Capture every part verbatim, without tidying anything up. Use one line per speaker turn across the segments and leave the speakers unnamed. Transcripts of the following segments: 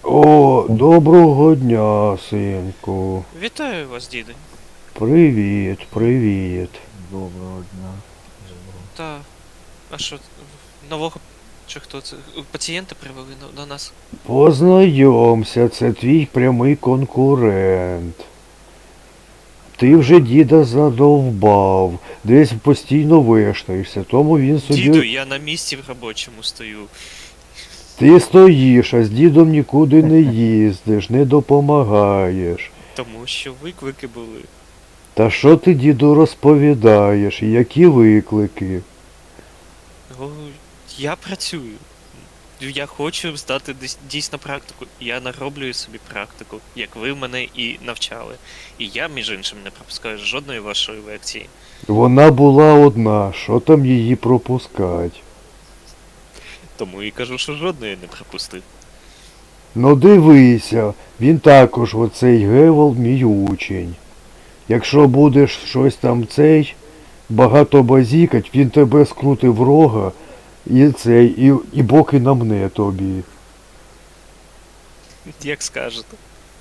О, доброго дня, синку.
Вітаю вас, діду.
Привіт, привіт.
Доброго дня.
Та. А що, нового чи хто це? Пацієнта привели до, до нас?
Познайомся, це твій прямий конкурент. Ти вже діда задовбав, десь постійно вештаєшся, тому він собі...
Діду, я на місці в робочому стою.
Ти стоїш, а з дідом нікуди не їздиш, не допомагаєш.
Тому що виклики були.
Та що ти, діду, розповідаєш, і які виклики?
О, я працюю. Я хочу здати дис- дійсно практику. Я нароблюю собі практику, як ви мене і навчали. І я, між іншим, не пропускаю жодної вашої лекції.
Вона була одна, що там її пропускать?
Тому і кажу, що жодної не пропустив.
Ну дивися, він також оцей Гевел мій учень. Якщо будеш щось там цей, багато базікать, він тебе скрутить в рога і цей, і, і боки намне тобі.
Як скажете.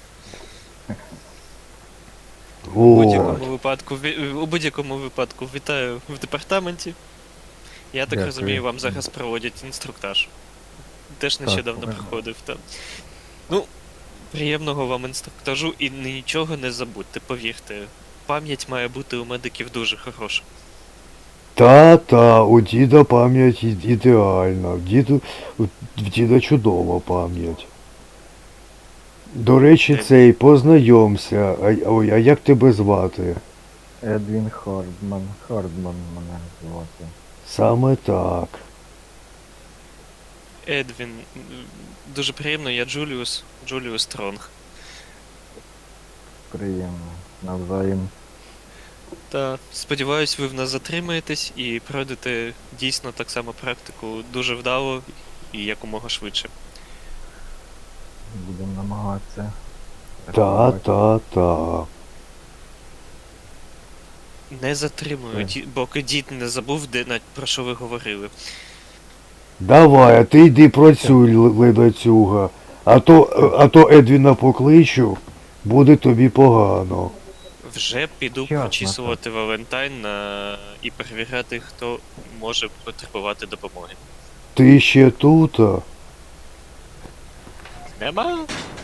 У
От.
будь-якому випадку, ві- у будь-якому випадку вітаю в департаменті. Я так
Дякую.
розумію, вам зараз проводять інструктаж. Теж нещодавно
Так.
проходив там. Ну, приємного вам інструктажу і нічого не забудьте, повірте. Пам'ять має бути у медиків дуже хороша.
Та-та, у діда пам'ять і- ідеальна, в діду, в діда чудова пам'ять. До речі,
Е.
цей, познайомся, а, ой, а як тебе звати?
Едвін Хардман. Хардман мене звати.
Саме так.
Едвін, м, дуже приємно, я Джуліус, Джуліус Стронг.
Приємно. Навзаєм.
Та сподіваюсь, ви в нас затримаєтесь і пройдете дійсно так само практику дуже вдало і якомога швидше.
Будемо намагатися.
Та-та-та.
Не затримую,
Е.
ді- поки дід не забув, де на про що ви говорили.
Давай, а ти йди працюй, л- ледацюга. А то, а то Едвіна покличу, буде тобі погано.
Вже піду
Ясно,
прочісувати Валентайн на... і перевіряти, хто може потребувати допомоги.
Ти ще тута?
Нема?